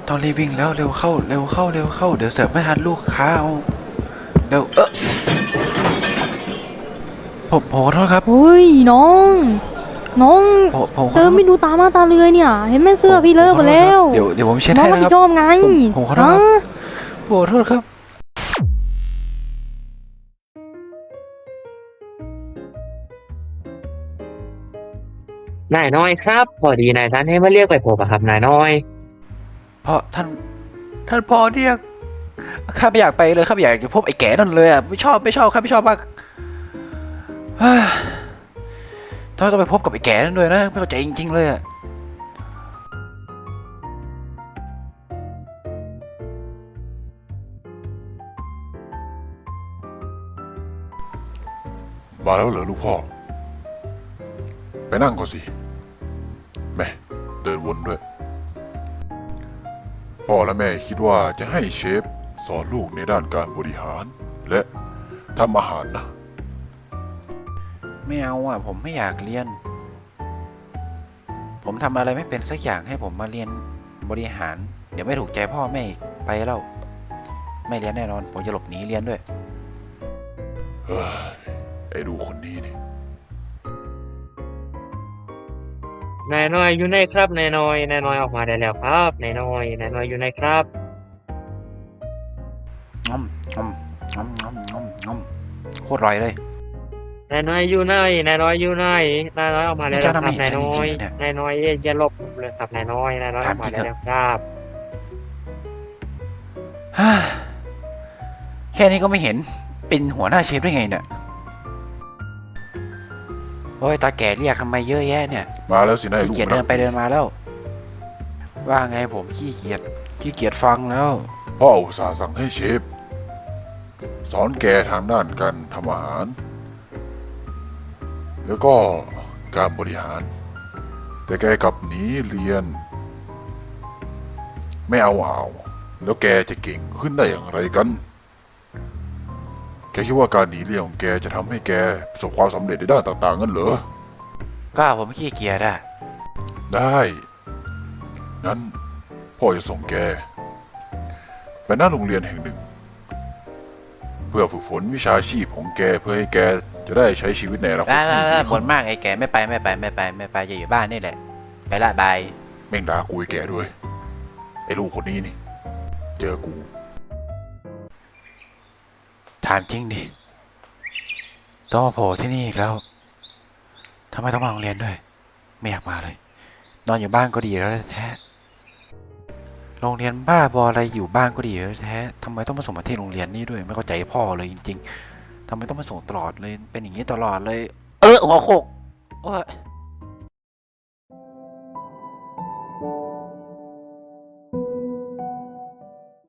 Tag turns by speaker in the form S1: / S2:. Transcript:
S1: ต้องรีบวิ่งแล้วเร็วเข้าเร็วเข้าเร็วเข้าเดี๋ยวเสิร์ฟไม่ทันลูกค้าเอาเร็วผมขอโทษครับ
S2: เฮ้ยน้องน้อง
S1: ผมขอโทษ
S2: เธอไม่ดูตามาตาเรือยเนี่ยเห็นไหมเสื้อพี่เลอะหมดแล้ว
S1: เดี๋ยวผมเช็ด
S2: น้อง
S1: ให้นะครับ
S2: รับผิดชอบไง
S1: ผมขอโทษครับขอโทษครับ
S3: นายน้อยครับพอดีนายท่านให้มาเรียกไปพบอะครับนายน้อย
S1: เพราะท่านพอเรียกข้าไม่อยากไปเลยข้าไม่อยากจะพบไอ้แก่นั่นเลยอ่ะไม่ชอบข้าไม่ชอบมากเฮ้ยต้องไปพบกับไอ้แก่นั่นด้วยนะไม่เข้าใจจริงๆเลยอ่ะ
S4: มาแล้วเหรอลูกพ่อ ไปนั่งก่อนสิแม่เดินวนด้วย พ่อและแม่คิดว่าจะให้เชฟสอนลูกในด้านการบริหาร และทำอาหารนะ
S1: ไม่เอาอ่ะผมไม่อยากเรียน ผมทำอะไรไม่เป็นสักอย่างให้ผมมาเรียนบริหาร เดี๋ยวไม่ถูกใจพ่อแม่อีกไปแล้วไม่เรียนแน่นอนผมจะหลบหนีเรียนด้วย
S4: เฮ้ยไอ้ดูคนนี้นี่
S3: นายน้อยอยู่ไหนครับนายน้อยออกมาได้แล้วครับนายน้อยอยู่ไหนครับ
S1: งอมงอมงอมงอมงอมงอมโคตรอร่อยเลย
S3: นายน้อยอยู่ไหนนายน้อยอยู่ไหนนายน้อยออกมาได้แล้วครับนายน้อยอย่าหลบเลยครับนายน้อยออกมาได้แล้วครับ
S1: ฮ่าแค่นี้ก็ไม่เห็นเป็นหัวหน้าเชฟได้ไงเนี่ยโอ้ยตาแก่เรียกทำไมเยอะแยะเนี่ย
S4: มาแล้วสินะไอ้
S1: ขี้
S4: ลูก
S1: เกียจเดินไปเดินมาแล้ว ว่าไงผมขี้เกียจฟังแล้ว
S4: พ่ออุตส่าห์สั่งให้เชฟสอนแกทางด้านการทำอาหาร แล้วก็การบริหาร แต่แกกลับหนีเรียน ไม่เอาแล้วแกจะเก่งขึ้นได้อย่างไรกัน แกคิดว่าการหนีเรียนของแกจะทำให้แกประสบความสำเร็จในด้านต่างๆงั้นเหรอ
S1: ก็ผมขี้เกียจอะ
S4: ได้ งั้นพ่อจะส่งแกไปหน้าโรงเรียนแห่งหนึ่ง เพื่อฝึกฝนวิชาชีพของแกเพื่อให้แกจะได้ใช้ชีวิตในอนาคตที่ดี
S1: บ่
S4: ขึ้
S1: น
S4: น
S1: มากไอ้แก่ไม่ไปจะอยู่บ้านนี่แหละไปละบาย
S4: แม่งด่ากูไอ้แกด้วย ไอ้ลูกคนนี้นี่ เจอกู
S1: ถามจริงดิต้องมาโผล่ที่นี่อีกแล้วทำไมต้องมาโรงเรียนด้วยไม่อยากมาเลยนอนอยู่บ้านก็ดีแล้วแท้โรงเรียนบ้าบออะไรอยู่บ้านก็ดีแล้วแท้ทำไมต้องมาส่งมาที่โรงเรียนนี่ด้วยไม่เข้าใจพ่อเลยจริงๆทำไมต้องมาส่งตลอดเลยเป็นอย่างนี้ตลอดเลยหัวโขกโอ้ย